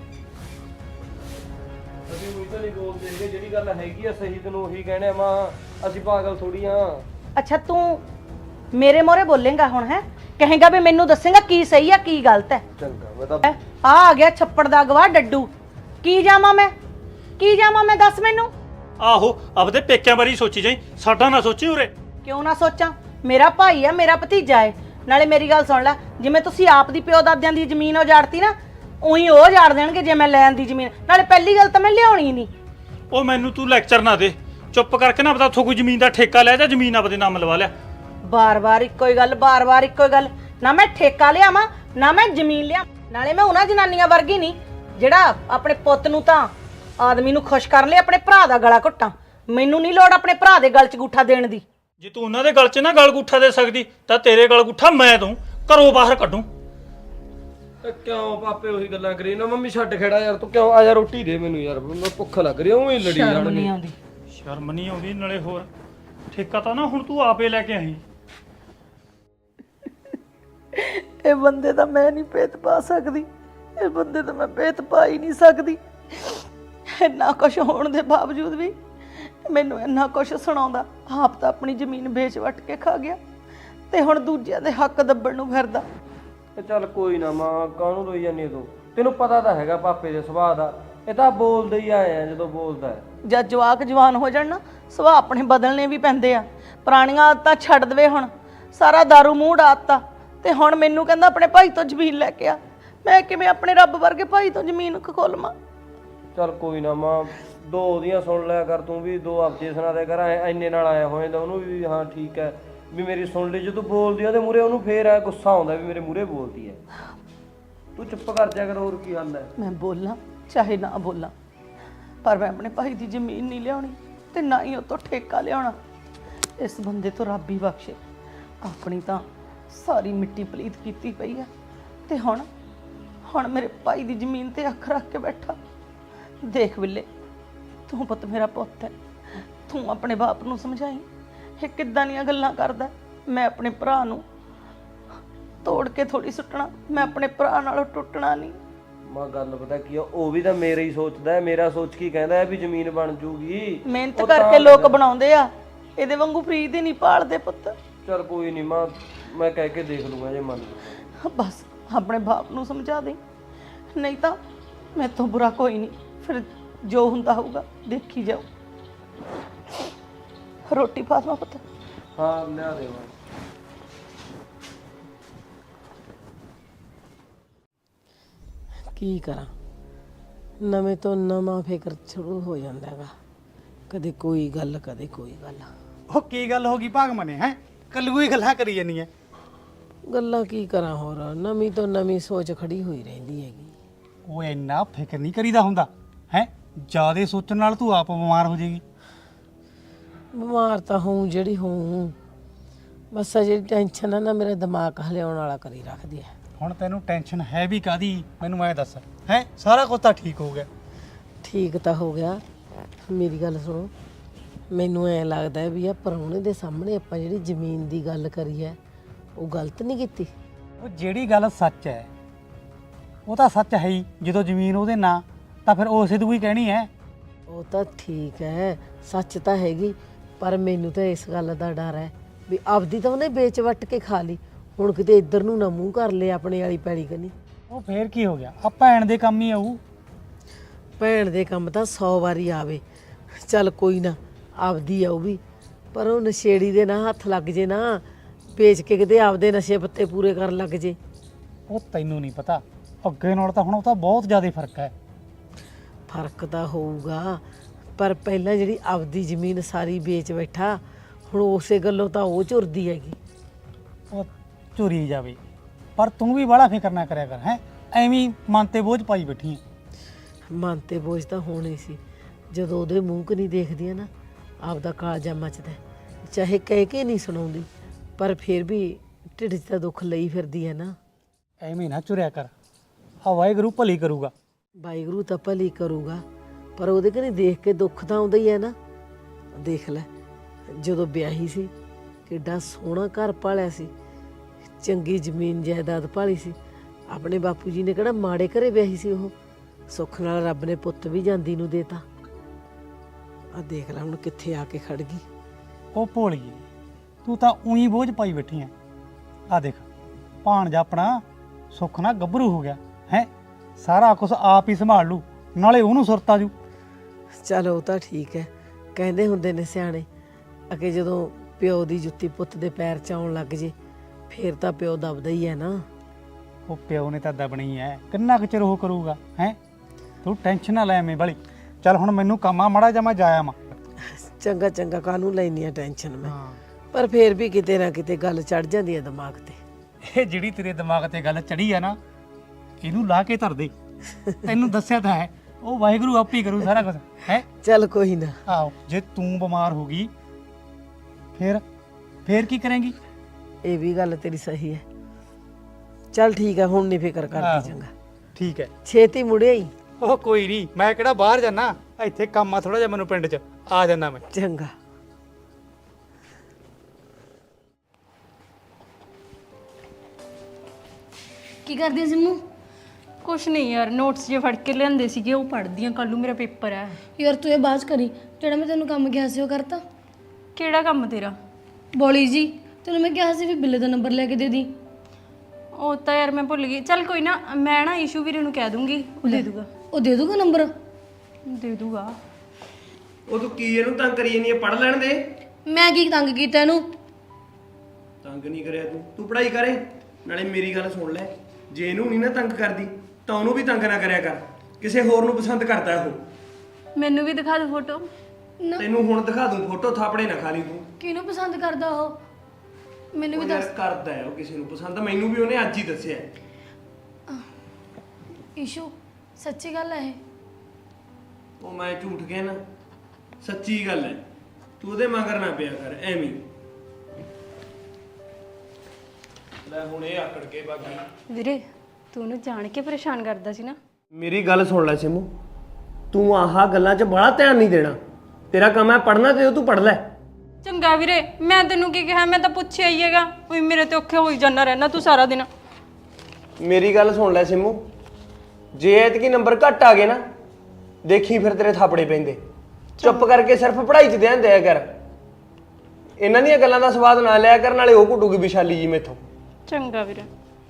ਅਸੀਂ ਉਹੀ ਤਾਂ ਨਹੀਂ ਬੋਲਦੇ ਹੈਗੇ, ਜਿਹੜੀ ਗੱਲ ਹੈਗੀ ਆ ਸਹੀ ਤੈਨੂੰ ਉਹੀ ਕਹਿਣਾ ਆ ਮਾਂ, ਅਸੀਂ ਪਾਗਲ ਥੋੜੀ ਆ।
ਅੱਛਾ ਤੂੰ ਮੇਰੇ ਮੋਰੇ ਬੋਲੇਂਗਾ ਹੁਣ? ਹੈ ਕਹੇਗਾ ਵੀ ਮੈਨੂੰ ਦੱਸੇਗਾ ਕੀ ਸਹੀ ਆ ਕੀ ਗਲਤ ਹੈ?
ਚੰਗਾ ਮੈਂ ਤਾਂ
ਆ ਗਿਆ ਛੱਪੜ ਦਾ ਗਵਾਹ ਡੱਡੂ। ਕੀ ਜਾਵਾਂ ਮੈਂ ਦੱਸ ਮੈਨੂੰ।
ਆਹੋ ਆਪਦੇ ਪੇਕਿਆਂ ਬਾਰੇ ਹੀ ਸੋਚੀ ਜਾਈ, ਸਾਡਾ ਨਾ ਸੋਚੀ ਉਰੇ।
ਕਿਉਂ ਨਾ ਸੋਚਾਂ, ਮੇਰਾ ਭਾਈ ਆ, ਮੇਰਾ ਭਤੀਜਾ ਹੈ। ਨਾਲੇ ਮੇਰੀ ਗੱਲ ਸੁਣ ਲੈ, ਜਿਵੇਂ ਤੁਸੀਂ ਆਪ ਦੀ ਪਿਓ ਦਾਦਿਆਂ ਦੀ ਜ਼ਮੀਨ ਉਜਾੜਤੀ ਨਾ, ਉਹੀ ਉਹ ਉਜਾੜ ਦੇਣਗੇ ਜੇ ਮੈਂ ਲੈਣ ਦੀ ਜ਼ਮੀਨ। ਨਾਲੇ ਪਹਿਲੀ ਗੱਲ ਤਾਂ ਮੈਂ ਲਿਆਉਣੀ ਨਹੀਂ।
ਉਹ ਮੈਨੂੰ ਤੂੰ ਲੈਕਚਰ ਨਾ ਦੇ, ਚੁੱਪ ਕਰਕੇ ਨਾ ਆਪਦਾ ਉੱਥੋਂ ਕੋਈ ਜ਼ਮੀਨ ਦਾ ਠੇਕਾ ਲੈ ਜਾ, ਜ਼ਮੀਨ ਆਪਦੇ ਨਾਮ ਲਵਾ ਲਿਆ।
ਬਾਰ-ਬਾਰ ਇੱਕੋ ਹੀ ਗੱਲ, ਬਾਰ-ਬਾਰ ਇੱਕੋ ਹੀ ਗੱਲ। ਨਾ ਮੈਂ ਠੇਕਾ ਲਿਆਵਾਂ ਨਾ ਮੈਂ ਜ਼ਮੀਨ ਲਿਆ। ਨਾਲੇ ਮੈਂ ਉਹਨਾਂ ਜਨਾਨੀਆਂ ਵਰਗੀ ਨਹੀਂ ਜਿਹੜਾ ਆਪਣੇ ਪੁੱਤ ਨੂੰ ਤਾਂ ਆਦਮੀ ਨੂੰ ਖੁਸ਼ ਕਰਨ ਲਈ ਆਪਣੇ ਭਰਾ ਦਾ ਗਲਾ ਘੁੱਟਾਂ। ਮੈਨੂੰ ਨਹੀਂ ਲੋੜ ਆਪਣੇ ਭਰਾ ਦੇ ਗਲ 'ਚ ਗੂਠਾ ਦੇਣ ਦੀ।
ਜੇ ਤੂੰ ਉਹਨਾਂ ਦੇ ਗਲ 'ਚ ਨਾ ਗਲ ਗੁੱਠਾ ਦੇ ਸਕਦੀ ਤਾਂ ਤੇਰੇ ਗਲ ਗੁੱਠਾ ਮੈਂ ਦੂੰ, ਘਰੋਂ ਬਾਹਰ ਕੱਢੂੰ।
ਕਿਉਂ ਪਾਪੇ ਉਹੀ ਗੱਲਾਂ ਕਰੀ ਨਾ? ਮੰਮੀ ਛੱਡ ਖੇੜਾ ਯਾਰ, ਤੂੰ ਕਿਉਂ ਆ? ਯਾਰ ਰੋਟੀ ਦੇ ਮੈਨੂੰ ਯਾਰ, ਮੈਨੂੰ ਭੁੱਖ ਲੱਗ ਰਹੀ, ਉਵੇਂ ਹੀ ਲੜੀ
ਸ਼ਰਮ
ਜਾਣਗੇ।
ਨਹੀਂ ਆਉਂਦੀ।
ਸ਼ਰਮ ਨਹੀਂ ਆਉਂਦੀ? ਨਾਲੇ ਹੋਰ ਠੇਕਾ ਤਾਂ ਨਾ ਹੁਣ ਤੂੰ ਆਪੇ ਲੈ ਕੇ ਆਈ।
ਇਹ ਬੰਦੇ ਦਾ ਮੈਂ ਨਹੀਂ ਭੇਤ ਪਾ ਸਕਦੀ, ਇਹ ਬੰਦੇ ਦਾ ਮੈਂ ਭੇਤ ਪਾ ਹੀ ਨਹੀਂ ਸਕਦੀ। ਇੰਨਾ ਕੁਛ ਹੋਣ ਦੇ ਬਾਵਜੂਦ ਵੀ ਮੈਨੂੰ ਇੰਨਾ ਕੁਛ ਸੁਣਾਉਂਦਾ। ਆਪ ਤਾਂ ਆਪਣੀ ਜ਼ਮੀਨ ਵੇਚ ਵੱਟ ਕੇ ਖਾ ਗਿਆ ਤੇ ਹੁਣ ਦੂਜਿਆਂ ਦੇ ਹੱਕ ਦੱਬਣ ਨੂੰ ਫਿਰਦਾ।
ਤੇ ਚੱਲ ਕੋਈ ਨਾ ਮਾਂ, ਕਾਹਨੂੰ ਰੋਈ ਜਾਂਦੀ ਤੂੰ? ਤੈਨੂੰ ਪਤਾ ਤਾਂ ਹੈਗਾ ਪਾਪੇ ਦੇ ਸੁਭਾਅ ਦਾ, ਇਹ ਤਾਂ ਬੋਲਦੇ ਹੀ ਆਏ ਆ ਜਦੋਂ ਬੋਲਦਾ ਹੈ।
ਜਦ ਜਵਾਕ ਜਵਾਨ ਹੋ ਜਾਣ ਨਾ, ਸੁਭਾਅ ਆਪਣੇ ਬਦਲਣੇ ਵੀ ਪੈਂਦੇ ਆ। ਪੁਰਾਣੀਆਂ ਆਦਤਾਂ ਛੱਡ ਦੇਵੇ ਹੁਣ, ਸਾਰਾ ਦਾਰੂ ਮੂੰਹ ਡਾਤਾ ਤੇ ਹੁਣ ਮੈਨੂੰ ਕਹਿੰਦਾ ਆਪਣੇ ਭਾਈ ਤੋਂ ਜ਼ਮੀਨ ਲੈ ਕੇ ਆ। ਮੈਂ ਕਿਵੇਂ ਆਪਣੇ ਰੱਬ ਵਰਗੇ ਭਾਈ ਤੋਂ ਜ਼ਮੀਨ ਖੋਲਵਾਂ?
ਚੱਲ ਕੋਈ ਨਾ ਮਾਂ, ਦੋ ਉਹਦੀਆਂ ਸੁਣ ਲਿਆ ਕਰ ਤੂੰ ਵੀ, ਦੋ ਆਪਦੇ ਸੁਣਾ ਦੇ ਕਰ। ਐਨੇ ਨਾਲ ਆਇਆ ਹੋ ਜਾਂਦਾ ਉਹਨੂੰ ਵੀ, ਹਾਂ ਠੀਕ ਹੈ ਵੀ ਮੇਰੀ ਸੁਣ ਲਈ। ਜਦੋਂ ਬੋਲਦੀ ਆ ਉਹਦੇ ਮੂਹਰੇ ਉਹਨੂੰ ਫੇਰ ਆ ਗੁੱਸਾ ਆਉਂਦਾ ਵੀ ਮੇਰੇ ਮੂਹਰੇ ਬੋਲਦੀ ਹੈ। ਤੂੰ ਚੁੱਪ ਕਰ ਜਾ ਕਰ, ਹੋਰ ਕੀ ਹੱਲ ਹੈ?
ਮੈਂ ਬੋਲਾਂ ਚਾਹੇ ਨਾ ਬੋਲਾਂ, ਪਰ ਮੈਂ ਆਪਣੇ ਭਾਈ ਦੀ ਜ਼ਮੀਨ ਨਹੀਂ ਲਿਆਉਣੀ ਤੇ ਨਾ ਹੀ ਉਹ ਤੋਂ ਠੇਕਾ ਲਿਆਉਣਾ। ਇਸ ਬੰਦੇ ਤੋਂ ਰੱਬ ਹੀ ਬਖਸ਼ੇ, ਆਪਣੀ ਤਾਂ ਸਾਰੀ ਮਿੱਟੀ ਪਲੀਤ ਕੀਤੀ ਪਈ ਆ ਤੇ ਹੁਣ ਮੇਰੇ ਭਾਈ ਦੀ ਜ਼ਮੀਨ ਤੇ ਅੱਖ ਰੱਖ ਕੇ ਬੈਠਾ। ਦੇਖ ਬਿੱਲੇ, ਤੂੰ ਪੁੱਤ ਮੇਰਾ ਪੁੱਤ ਹੈ, ਤੂੰ ਆਪਣੇ ਬਾਪ ਨੂੰ ਸਮਝਾਈ ਇਹ ਕਿੱਦਾਂ ਦੀਆਂ ਗੱਲਾਂ ਕਰਦਾ। ਮੈਂ ਆਪਣੇ ਭਰਾ ਨੂੰ ਤੋੜ ਕੇ ਥੋੜੀ ਸੁੱਟਣਾ, ਮੈਂ ਆਪਣੇ ਭਰਾ ਨਾਲੋਂ ਟੁੱਟਣਾ ਨਹੀਂ।
ਮਾਂ ਗੱਲ ਪਤਾ ਕੀ ਆ, ਉਹ ਵੀ ਤਾਂ ਮੇਰਾ ਹੀ ਸੋਚਦਾ ਹੈ, ਮੇਰਾ ਸੋਚ ਕੀ ਕਹਿੰਦਾ ਹੈ ਵੀ ਜ਼ਮੀਨ ਬਣ ਜੂਗੀ।
ਮਿਹਨਤ ਕਰਕੇ ਲੋਕ ਬਣਾਉਂਦੇ ਆ, ਇਹਦੇ ਵਾਂਗੂ ਫਰੀ ਦੇ ਨਹੀਂ ਪਾਲਦੇ ਪੁੱਤ।
ਚੱਲ ਕੋਈ ਨਹੀਂ ਮਾਂ, ਮੈਂ ਕਹਿ ਕੇ ਦੇਖ ਲੂੰਗਾ ਜੇ ਮੰਨ ਲਊ।
ਬਸ ਆਪਣੇ ਬਾਪ ਨੂੰ ਸਮਝਾ ਦੇ, ਨਹੀਂ ਤਾਂ ਮੈਥੋਂ ਬੁਰਾ ਕੋਈ ਨਹੀਂ। ਫਿਰ ਜੋ ਹੁੰਦਾ ਹੋਊਗਾ ਦੇਖੀ ਜਾਓ। ਰੋਟੀ ਪਾ ਦਵਾਂ ਪੁੱਤ?
ਹਾਂ ਲਿਆ ਦੇ ਮਾਂ।
ਕੀ ਕਰਾਂ, ਨਵੇਂ ਤੋਂ ਨਵਾਂ ਫਿਕਰ ਸ਼ੁਰੂ ਹੋ ਜਾਂਦਾ ਹੈਗਾ। ਕਦੇ ਕੋਈ ਗੱਲ ਕਦੇ ਕੋਈ ਗੱਲ।
ਉਹ ਕੀ ਗੱਲ ਹੋ ਗਈ ਭਾਗਮਨੇ? ਹੈ ਕੱਲੂ ਹੀ ਗੱਲਾਂ ਕਰੀ ਜਾਨੀ ਐ।
ਗੱਲਾਂ ਕੀ ਕਰਾਂ, ਹੋਰ ਨਵੀਂ ਤੋਂ ਨਵੀਂ ਸੋਚ ਖੜੀ ਹੋਈ ਰਹਿੰਦੀ ਹੈਗੀ।
ਉਹ ਇੰਨਾ ਫਿਕਰ ਨਹੀਂ ਕਰੀਦਾ ਹੁੰਦਾ ਹੈ, ਜਿਆਦੇ ਸੋਚਣ ਨਾਲ ਤੂੰ ਆਪ ਬਿਮਾਰ ਹੋ ਜਾਏਗੀ।
ਬਿਮਾਰ ਤਾਂ ਹੋਊ ਜਿਹੜੀ ਹੋਊ, ਬਸ ਆ ਜਿਹੜੀ ਟੈਨਸ਼ਨ ਆ ਨਾ ਮੇਰਾ ਦਿਮਾਗ ਹਲਿਆਉਣ ਵਾਲਾ ਕਰੀ ਰੱਖਦੀ ਹੈ।
ਹੁਣ ਤੈਨੂੰ ਟੈਨਸ਼ਨ ਹੈ ਵੀ ਕਾਦੀ? ਮੈਨੂੰ ਐ ਦੱਸ। ਹੈ ਸਾਰਾ ਕੁਝ ਤਾਂ ਠੀਕ ਹੋ ਗਿਆ।
ਠੀਕ ਤਾਂ ਹੋ ਗਿਆ, ਮੇਰੀ ਗੱਲ ਸੁਣੋ। ਮੈਨੂੰ ਐ ਲੱਗਦਾ ਵੀ ਆ ਪ੍ਰਾਹੁਣੇ ਦੇ ਸਾਹਮਣੇ ਆਪਾਂ ਜਿਹੜੀ ਜ਼ਮੀਨ ਦੀ ਗੱਲ ਕਰੀ ਹੈ ਉਹ ਗਲਤ ਨਹੀਂ ਕੀਤੀ।
ਉਹ ਜਿਹੜੀ ਗੱਲ ਸੱਚ ਹੈ ਉਹ ਤਾਂ ਸੱਚ ਹੈ ਹੀ। ਜਦੋਂ ਜ਼ਮੀਨ ਉਹਦੇ ਨਾਂ ਤਾਂ ਫਿਰ ਉਸੇ ਤੋਂ ਹੀ ਕਹਿਣੀ ਹੈ।
ਉਹ ਤਾਂ ਠੀਕ ਹੈ, ਸੱਚ ਤਾਂ ਹੈਗੀ, ਪਰ ਮੈਨੂੰ ਤਾਂ ਇਸ ਗੱਲ ਦਾ ਡਰ ਹੈ ਵੀ ਆਪਦੀ ਤਾਂ ਉਹਨੇ ਵੇਚ ਵੱਟ ਕੇ ਖਾ ਲਈ, ਹੁਣ ਕਿਤੇ ਇੱਧਰ ਨੂੰ ਨਾ ਮੂੰਹ ਕਰ ਲਏ ਆਪਣੇ ਵਾਲੀ ਪੈਲੀ ਕਨੀ।
ਉਹ ਫੇਰ ਕੀ ਹੋ ਗਿਆ, ਆ ਭੈਣ ਦੇ ਕੰਮ ਹੀ ਆਊ।
ਭੈਣ ਦੇ ਕੰਮ ਤਾਂ 100 ਵਾਰੀ ਆਵੇ, ਚੱਲ ਕੋਈ ਨਾ ਆਪਦੀ ਆਊ ਵੀ, ਪਰ ਉਹ ਨਸ਼ੇੜੀ ਦੇ ਨਾ ਹੱਥ ਲੱਗ ਜੇ ਨਾ, ਵੇਚ ਕੇ ਕਿਤੇ ਆਪਦੇ ਨਸ਼ੇ ਪੱਤੇ ਪੂਰੇ ਕਰਨ ਲੱਗ ਜੇ।
ਉਹ ਤੈਨੂੰ ਨਹੀਂ ਪਤਾ, ਅੱਗੇ ਨਾਲ ਤਾਂ ਹੁਣ ਉਹ ਤਾਂ ਬਹੁਤ ਜ਼ਿਆਦਾ ਫਰਕ ਹੈ।
ਫਰਕ ਤਾਂ ਹੋਊਗਾ, ਪਰ ਪਹਿਲਾਂ ਜਿਹੜੀ ਆਪਦੀ ਜ਼ਮੀਨ ਸਾਰੀ ਵੇਚ ਬੈਠਾ, ਹੁਣ ਉਸੇ ਗੱਲੋਂ ਤਾਂ ਉਹ ਝੁਰਦੀ ਹੈਗੀ।
ਉਹ ਝੁਰੀ ਜਾਵੇ, ਪਰ ਤੂੰ ਵੀ ਬੜਾ ਫਿਕਰ ਨਾ ਕਰਿਆ ਕਰ। ਹੈ ਐਵੇਂ ਹੀ ਮਨ ਤੇ ਬੋਝ ਪਾਈ ਬੈਠੀ ਆ।
ਮਨ ਤੇ ਬੋਝ ਤਾਂ ਹੋਣੀ ਸੀ, ਜਦੋਂ ਉਹਦੇ ਮੂੰਹ ਕਨੀ ਦੇਖਦੀ ਆ ਨਾ ਆਪਦਾ ਕਾਲਜਾ ਮੱਚਦਾ ਹੈ। ਚਾਹੇ ਕਹਿ ਕੇ ਨਹੀਂ ਸੁਣਾਉਂਦੀ ਪਰ ਫਿਰ ਵੀ ਢਿੱਡ 'ਚ ਤਾਂ ਦੁੱਖ ਲਈ ਫਿਰਦੀ ਹੈ ਨਾ।
ਐਵੇਂ ਨਾ ਚੁਰਿਆ ਕਰ, ਆ ਵਾਹਿਗੁਰੂ ਭਲੀ ਕਰੂਗਾ।
ਵਾਹਿਗੁਰੂ ਤਾਂ ਭਲੀ ਕਰੂਗਾ, ਪਰ ਉਹਦੇ ਕਨੀ ਦੇਖ ਕੇ ਦੁੱਖ ਤਾਂ ਆਉਂਦਾ ਹੀ ਹੈ ਨਾ। ਦੇਖ ਲੈ, ਜਦੋਂ ਵਿਆਹੀ ਸੀ ਕਿੱਡਾ ਸੋਹਣਾ ਘਰ ਪਾਲਿਆ ਸੀ, ਚੰਗੀ ਜ਼ਮੀਨ ਜਾਇਦਾਦ ਭਾਲੀ ਸੀ। ਆਪਣੇ ਬਾਪੂ ਜੀ ਨੇ ਕਿਹੜਾ ਮਾੜੇ ਘਰੇ ਵਿਆਹੀ ਸੀ, ਉਹ ਸੁੱਖ ਨਾਲ ਰੱਬ ਨੇ ਪੁੱਤ ਵੀ ਜਾਂਦੀ ਨੂੰ ਦੇਤਾ। ਆ ਦੇਖ ਲੈ ਹੁਣ ਕਿੱਥੇ ਆ ਕੇ ਖੜ ਗਈ।
ਉਹ ਭੋਲੀਏ, ਤੂੰ ਤਾਂ ਉਹੀ ਬੋਝ ਪਾਈ ਬੈਠੀ ਆ। ਆ ਦੇਖ ਭਾਣਜਾ ਆਪਣਾ ਸੁੱਖ ਨਾਲ ਗੱਭਰੂ ਹੋ ਗਿਆ ਹੈ, ਸਾਰਾ ਕੁਝ ਆਪ ਹੀ ਸੰਭਾਲ ਲੂ, ਨਾਲੇ ਉਹਨੂੰ ਸੁਰਤ ਆ ਜੂ।
ਚਲ ਉਹ ਤਾਂ ਠੀਕ ਹੈ, ਕਹਿੰਦੇ ਹੁੰਦੇ ਨੇ ਸਿਆਣੇ ਅਗੇ ਜਦੋਂ ਪਿਓ ਦੀ ਜੁੱਤੀ ਪੁੱਤ ਦੇ ਪੈਰ 'ਚ ਆਉਣ ਲੱਗ ਜੇ ਫੇਰ ਤਾਂ ਪਿਓ ਦਬਦਾ ਹੀ ਹੈ ਨਾ।
ਉਹ ਪਿਓ ਨੇ ਤਾਂ ਦਬਣੀ ਐ, ਕਿੰਨਾ ਕੁ ਚਿਰ ਉਹ ਕਰੂਗਾ ਹੈ। ਤੂੰ ਟੈਨਸ਼ਨ ਨਾ ਲੈ ਐਵੇਂ ਵਾਲੀ। ਚੱਲ ਹੁਣ ਮੈਨੂੰ ਕੰਮ ਆ ਮਾੜਾ ਜਿਹਾ, ਮੈਂ ਜਾਇਆ ਮਾ।
ਚੰਗਾ ਚੰਗਾ, ਕਾਹਨੂੰ ਲੈਣੀ ਆ ਟੈਨਸ਼ਨ ਮੈਂ, ਪਰ ਫੇਰ ਵੀ ਕਿਤੇ ਨਾ ਕਿਤੇ ਗੱਲ ਚੜ ਜਾਂਦੀ ਹੈ ਦਿਮਾਗ ਤੇ।
ਇਹ ਜਿਹੜੀ ਤੇਰੇ ਦਿਮਾਗ ਤੇ ਗੱਲ ਚੜੀ ਆ ਨਾ, ਇਹਨੂੰ ਲਾ ਕੇ ਧਰ ਦੇ। ਤੈਨੂੰ ਦੱਸਿਆ ਤਾਂ ਹੈ, ਉਹ ਵਾਹਿਗੁਰੂ ਆਪੇ ਹੀ ਕਰੂ ਸਾਰਾ ਕੁਝ ਹੈ।
ਚੱਲ ਕੋਈ ਨਾ।
ਆਹੋ, ਜੇ ਤੂੰ ਬਿਮਾਰ ਹੋ ਗਈ ਫੇਰ ਕੀ ਕਰੇਂਗੀ?
ਇਹ ਵੀ ਗੱਲ ਤੇਰੀ ਸਹੀ ਹੈ। ਚੱਲ ਠੀਕ ਹੈ, ਹੁਣ ਨਹੀਂ ਫਿਕਰ
ਆਹੋ।
ਕਰਦੀ। ਚੰਗਾ
ਠੀਕ ਹੈ।
ਛੇਤੀ ਮੁੜਿਆ ਹੀ।
ਉਹ ਕੋਈ ਨਹੀਂ, ਮੈਂ ਕਿਹੜਾ ਬਾਹਰ ਜਾਣਾ, ਇੱਥੇ ਕੰਮ ਆ ਥੋੜਾ ਜਿਹਾ ਮੈਨੂੰ ਪਿੰਡ 'ਚ, ਆ ਜਾਣਾ ਮੈਂ।
ਚੰਗਾ।
ਕੀ ਕਰਦੀ ਸਿੰਮੂ?
ਕੁਛ ਨਹੀਂ ਯਾਰ, ਨੋਟਸ ਜੇ ਫੜ ਕੇ ਲਿਆਂਦੇ ਸੀਗੇ ਉਹ ਪੜ੍ਹਦੀ ਆ, ਕੱਲ ਨੂੰ ਮੇਰਾ ਪੇਪਰ ਹੈ।
ਯਾਰ ਤੂੰ ਇਹ ਬਾਤ ਕਰੀ, ਜਿਹੜਾ ਮੈਂ ਤੈਨੂੰ ਕੰਮ ਕਿਹਾ ਸੀ ਉਹ ਕਰਤਾ?
ਕਿਹੜਾ ਕੰਮ ਤੇਰਾ?
ਬੋਲੀ ਜੀ, ਤੈਨੂੰ ਮੈਂ ਕਿਹਾ ਸੀ ਵੀ ਬਿੱਲੇ ਦਾ ਨੰਬਰ ਲੈ ਕੇ ਦੇ ਦੀ।
ਉਹ ਤਾਂ ਯਾਰ ਮੈਂ ਭੁੱਲ ਗਈ। ਚੱਲ ਕੋਈ ਨਾ, ਮੈਂ ਨਾ ਈਸ਼ੂ ਵੀਰੇ ਨੂੰ ਕਹਿ ਦੂੰਗੀ, ਉਹ ਦੇ ਦੂਗਾ।
ਉਹ ਦੇ ਦੂਗਾ ਨੰਬਰ?
ਦੇ ਦੂਗਾ।
ਉਹ ਤੂੰ ਕੀ ਇਹਨੂੰ ਤੰਗ ਕਰੀ ਜਾਨੀ ਹੈ? ਪੜ ਲੈਣ ਦੇ।
ਮੈਂ ਕੀ ਤੰਗ ਕੀਤਾ ਇਹਨੂੰ?
ਤੰਗ ਨਹੀਂ ਕਰਿਆ ਤੂੰ ਪੜ੍ਹਾਈ ਕਰੇ। ਨਾਲੇ ਮੇਰੀ ਗੱਲ ਸੁਣ ਲੈ, ਜੇ ਇਹਨੂੰ ਨਹੀਂ ਨਾ ਤੰਗ ਕਰਦੀ ਤਾਂ ਉਹਨੂੰ ਵੀ ਤੰਗ ਨਾ ਕਰਿਆ ਕਰ। ਕਿਸੇ ਹੋਰ ਨੂੰ ਪਸੰਦ ਕਰਦਾ ਉਹ।
ਮੈਨੂੰ ਵੀ ਦਿਖਾ ਦੇ ਫੋਟੋ।
ਤੈਨੂੰ ਹੁਣ ਦਿਖਾ ਦੂੰ ਫੋਟੋ, ਥਾਪੜੇ ਨਾ ਖਾ ਲਈ ਤੂੰ।
ਕਿਹਨੂੰ ਪਸੰਦ ਕਰਦਾ ਉਹ? ਮੈਨੂੰ ਵੀ
ਉਹ ਯਾਰ
ਦੱਸ।
ਕਰਦਾ ਹੈ ਉਹ ਕਿਸੇ ਨੂੰ ਪਸੰਦ, ਮੈਨੂੰ ਵੀ ਉਹਨੇ ਅੱਜ ਹੀ ਦੱਸਿਆ।
ਈਸ਼ੂ, ਸੱਚੀ ਗੱਲ ਹੈ ਇਹ?
ਉਹ ਮੈਂ ਝੂਠ ਗਿਆ ਨਾ, ਸੱਚੀ ਗੱਲ ਹੈ। ਤੂੰ ਉਹਦੇ ਮਗਰ ਨਾ ਪਿਆ ਕਰ ਐਵੇਂ। ਲੈ ਹੁਣ ਇਹ ਆਕੜ ਕੇ ਬਾਕੀ।
ਵੀਰੇ ਤੂੰ ਉਹਨੂੰ ਜਾਣ ਕੇ ਪਰੇਸ਼ਾਨ ਕਰਦਾ ਸੀ ਨਾ।
ਮੇਰੀ ਗੱਲ ਸੁਣ ਲੈ ਸਿਮੂ, ਤੂੰ ਆਹ ਗੱਲਾਂ 'ਚ ਬੜਾ ਧਿਆਨ ਨਹੀਂ ਦੇਣਾ। ਤੇਰਾ ਕੰਮ ਹੈ ਪੜ੍ਹਨਾ, ਤੇ ਤੂੰ ਪੜ੍ਹ ਲੈ।
ਚੰਗਾ ਵੀਰੇ, ਮੈਂ ਤੈਨੂੰ ਕੀ ਕਿਹਾ? ਮੈਂ ਤਾਂ ਪੁੱਛਿਆ ਹੀ ਹੈਗਾ। ਕੋਈ ਮੇਰੇ ਤੇ ਔਖੇ ਹੋਈ ਜਾਂਦਾ ਰਹਿਣਾ ਤੂੰ ਸਾਰਾ ਦਿਨ।
ਮੇਰੀ ਗੱਲ ਸੁਣ ਲੈ ਸਿਮੂ, ਜੇ ਐਤਕੀ ਨੰਬਰ ਘੱਟ ਆ ਗਏ ਨਾ, ਦੇਖੀ ਫਿਰ ਤੇਰੇ ਥਾਪੜੇ ਪੈਂਦੇ। ਚੁੱਪ ਕਰਕੇ ਸਿਰਫ ਪੜ੍ਹਾਈ 'ਚ ਧਿਆਨ ਦਿਆ ਕਰ। ਇਹਨਾਂ ਦੀਆਂ ਗੱਲਾਂ ਦਾ ਸਵਾਦ ਨਾ ਲਿਆ ਕਰ, ਨਾਲੇ ਉਹ ਘੁੱਟੂਗੀ ਵਿਸ਼ਾਲੀ ਜੀ ਮੈਥੋਂ।
ਚੰਗਾ ਵੀਰੇ।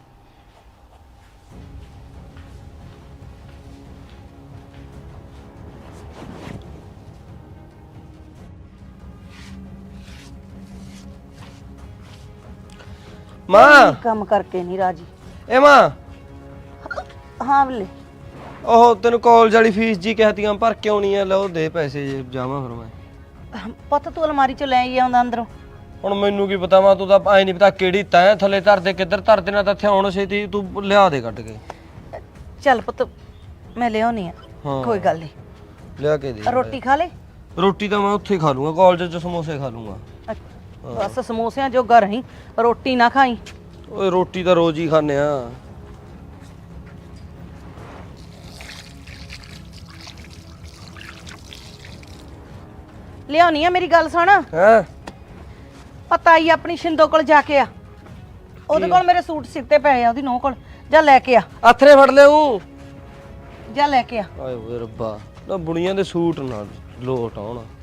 ਮਾਂ,
ਕੰਮ ਕਰਕੇ ਨਹੀਂ ਰਾਜੀ।
ਏ ਮਾਂ,
ਹਾਂ ਬਲੇ,
ਉਹ ਤੈਨੂੰ ਕਾਲਜ ਵਾਲੀ ਫੀਸ ਜੀ ਕਹਤੀਆਂ ਭਰ ਕੇ ਆਉਣੀ ਆ, ਲਓ ਦੇ ਪੈਸੇ ਜੇ ਜਾਵਾਂ ਫਿਰ ਮੈਂ।
ਪੁੱਤ ਤੂੰ ਅਲਮਾਰੀ ਚੋਂ ਲੈ ਹੀ ਆਉਂਦਾ ਅੰਦਰੋਂ।
ਹੁਣ ਮੈਨੂੰ ਕੀ ਪਤਾ ਵਾ, ਤੂੰ ਤਾਂ ਐ ਨਹੀਂ ਪਤਾ ਕਿਹੜੀ ਤੈਂ ਥੱਲੇ ਧਰਦੇ ਕਿੱਧਰ ਧਰਦੇ ਨਾ, ਤਾਂ ਇੱਥੇ ਆਉਣ ਛੇਤੀ ਤੂੰ ਲਿਆ ਦੇ ਕੱਢ ਕੇ।
ਚੱਲ ਪੁੱਤ ਮੈਂ ਲਿਆਉਣੀ ਆ,
ਹਾਂ।
ਕੋਈ ਗੱਲ ਨਹੀਂ।
ਲਿਆ ਕੇ ਦੇ।
ਰੋਟੀ ਖਾ ਲੈ।
ਰੋਟੀ ਤਾਂ ਮੈਂ ਉੱਥੇ ਖਾ ਲੂੰਗਾ, ਕਾਲਜ 'ਚ ਸਮੋਸੇ ਖਾ ਲੂੰਗਾ।
ਬਸ ਸਮੋਸਿਆਂ ਜੋਗਾ ਰਹੀਂ, ਰੋਟੀ ਨਾ ਖਾਈ।
ਓਏ ਰੋਟੀ ਤਾਂ ਰੋਜ਼ ਹੀ ਖਾਂਦੇ ਆ।
ਲਿਆਉਣੀ ਆ, ਮੇਰੀ ਗੱਲ ਸੁਣ।
ਹੈਂ?
ਪਤਾ ਹੀ ਆਪਣੀ ਸ਼ਿੰਦੋ ਕੋਲ ਜਾ ਕੇ ਆ, ਉਹਦੇ ਕੋਲ ਮੇਰੇ ਸੂਟ ਸਿੱਤੇ ਪਏ ਆ, ਉਹਦੀ ਨੂੰਹ ਕੋਲ ਜਾ ਲੈ ਕੇ ਆ।
ਆਥਰੇ ਫੜ ਲਿਆਉਂ।
ਜਾ ਲੈ ਕੇ ਆ।
ਆਏ ਓਏ ਰੱਬਾ, ਨਾ ਬੁਣੀਆਂ ਦੇ ਸੂਟ ਨਾ ਲੋਟ ਆਉਣ।